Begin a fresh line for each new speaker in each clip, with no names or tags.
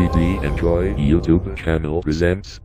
DD Enjoy YouTube channel presents.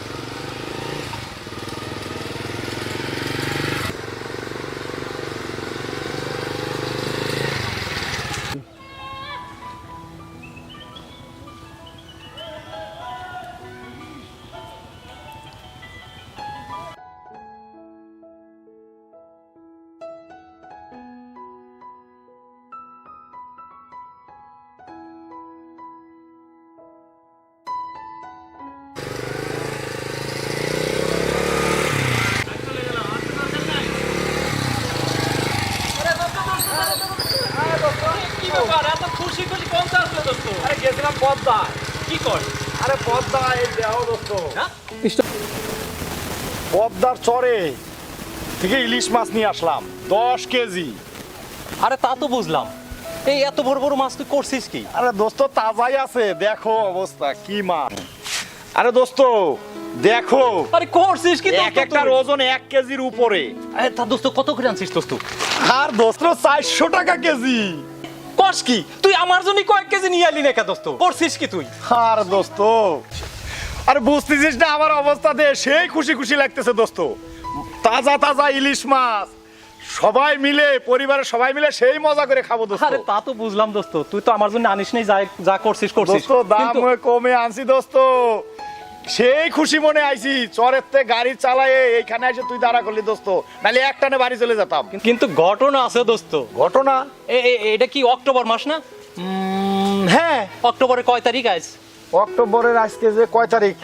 পদ্মার চরে থেকে ইলিশ মাছ নিয়ে আসলাম 10 কেজি।
আরে তা তো বুঝলাম, এই এত বড় বড় মাছ তুই করছিস কি?
আরে দোস্ত তাজাই আছে, দেখো অবস্থা কি মাছ। আরে দোস্ত দেখো,
আরে করছিস কি?
এক একটার ওজন 1 কেজির উপরে।
আরে তা দোস্ত কত করে আনছিস দোস্ত?
আর দোস্ত 400 টাকা কেজি।
করছ কি তুই? আমার জন্য কয়েক কেজি নিয়ে আইলি না কে দোস্ত? করছিস কি তুই?
আর দোস্ত আরে বুঝতেছিস না আমার অবস্থা দে, সেই খুশি খুশি লাগতেছে দোস্ত। তাজা তাজা ইলিশ মাছ, সবাই মিলে পরিবারের সবাই মিলে সেই মজা করে খাবো দোস্ত।
আরে তা তো বুঝলাম দোস্ত, তুই তো আমার জন্য আনিস নাই, যা করছিস করছিস।
দোস্ত দাম কমে আনছি দোস্ত, সেই খুশি মনে আইছি। চরের তে গাড়ি চালায় এইখানে এসে তুই দাঁড়া করলি দোস্ত, নাহলে একটানে বাড়ি চলে যেতাম।
কিন্তু ঘটনা আছে দোস্ত।
ঘটনা?
এটা কি অক্টোবর মাস না?
হ্যাঁ,
অক্টোবরের কয় তারিখ আজ?
অক্টোবরের আজকে যে কয় তারিখ?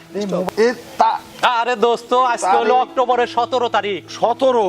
আরে দোস্ত আজকে হলো অক্টোবরের 17 তারিখ।
17?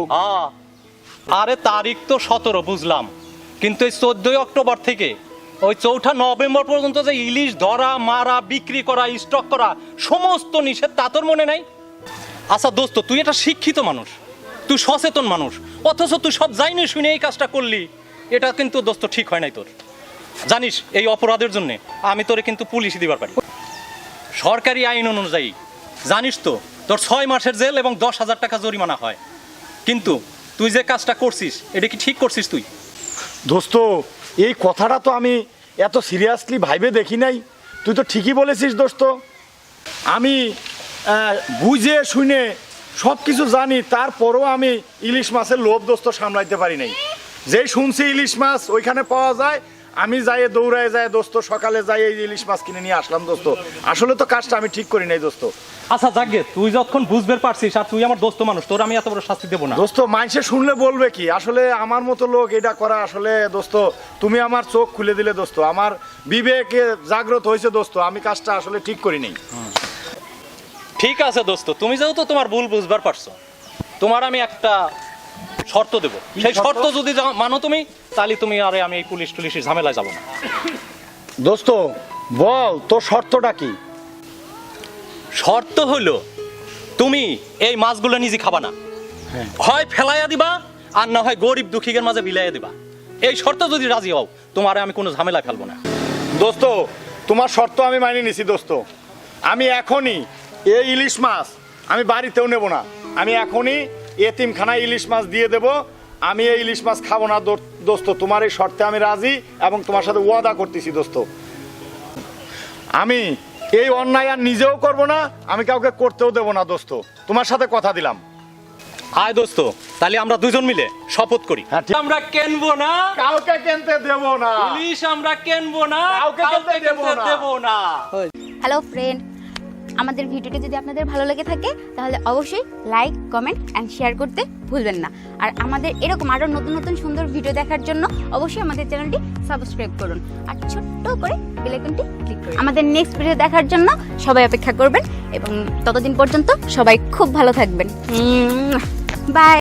আরে তারিখ তো 17 বুঝলাম, কিন্তু এই 14 অক্টোবর থেকে ওই 4 নভেম্বর পর্যন্ত যে ইলিশ ধরা, মারা, বিক্রি করা, স্টক করা সমস্ত নিষেধ, তা তোর মনে নাই? আচ্ছা দোস্ত, তুই একটা শিক্ষিত মানুষ, তুই সচেতন মানুষ, অথচ তুই সব জানি শুনে এই কাজটা করলি। এটা কিন্তু দোস্ত ঠিক হয় নাই তোর। জানিস এই অপরাধের জন্য আমি তোরে কিন্তু পুলিশ দিবার পারি, সরকারি আইন অনুযায়ী। জানিস তো তোর 6 মাসের জেল এবং 10,000 টাকা জরিমানা হয়। কিন্তু তুই যে কাজটা করছিস এটা কি ঠিক করছিস তুই?
দোস্ত এই কথাটা তো আমি এত সিরিয়াসলি ভাইবে দেখি নাই। তুই তো ঠিকই বলেছিস দোস্ত। আমি বুঝে শুনে সব কিছু জানি, তারপরেও আমি ইলিশ মাছের লোভ দোস্ত সামলাইতে পারি নাই। যেই শুনছি ইলিশ মাছ ওইখানে পাওয়া যায়, আমি যাই দৌড়ায় যায় দোস্ত, সকালে যাই এই ইলিশ মাছ কিনে নিয়ে আসলাম দোস্ত। আসলে তো কাজটা আমি ঠিক করি নাই দোস্ত।
আচ্ছা যাকে, তুই যখন বুঝবে পারছিস আর তুই আমার দোস্ত মানুষ, তোর আমি এত বড় শাস্তি দেবো না
দোস্ত। মানুষে শুনলে বলবে কি, আসলে আমার মতো লোক এটা করা আসলে দোস্ত তুমি আমার চোখ খুলে দিলে দোস্ত, আমার বিবেকে জাগ্রত হয়েছে দোস্ত, আমি কাজটা আসলে ঠিক করি নাই।
ঠিক আছে দোস্ত, তুমি যেহেতু তোমার ভুল বুঝবার পারছো, তোমার আমি একটা শর্ত দেব। সেই শর্ত যদি মানো তুমি, তাহলে তুমি আর আমি এই পুলিশ টুলিশের ঝামেলায় যাবো না।
দোস্ত বল তোর শর্তটা কি?
শর্ত হলো তুমি এই মাছগুলো নিজে খাবা না, হয় ফেলাইয়া দিবা আর না হয় গরিব দুঃখীদের মাঝে বিলাইয়া দিবা। এই শর্ত যদি রাজি হও, তোমার আমি কোনো ঝামেলা ফেলবো না।
দোস্ত তোমার শর্ত আমি মানিয়ে নিছি দোস্ত। আমি এখনই এই ইলিশ মাছ আমি বাড়িতেও নেব না, আমি এখনই এতিমখানায় ইলিশ মাছ দিয়ে দেব। আমি এই ইলিশ মাছ খাবো না দোস্ত, তোমার এই শর্তে আমি রাজি এবং তোমার সাথে ওয়াদা করতেছি দোস্ত। আমি এই অন্যায় আর নিজেও করব না, আমি কাউকে করতেও দেব না দোস্ত, তোমার সাথে কথা দিলাম।
আয় দোস্ত, তাহলে আমরা দুজন মিলে শপথ করি।
হ্যাঁ, ঠিক।
আমরা কিনবো না,
কাউকে কিনতে দেব না
ইলিশ আমরা কিনবো না,
কাউকে কিনতে দেব না।
হ্যালো ফ্রেন্ড, আমাদের ভিডিওটি যদি আপনাদের ভালো লেগে থাকে তাহলে অবশ্যই লাইক, কমেন্ট অ্যান্ড শেয়ার করতে ভুলবেন না। আর আমাদের এরকম আরও নতুন নতুন সুন্দর ভিডিও দেখার জন্য অবশ্যই আমাদের চ্যানেলটি সাবস্ক্রাইব করুন আর ছোট্ট করে বেল আইকনটি ক্লিক করুন। আমাদের নেক্সট ভিডিও দেখার জন্য সবাই অপেক্ষা করবেন এবং ততদিন পর্যন্ত সবাই খুব ভালো থাকবেন। বাই।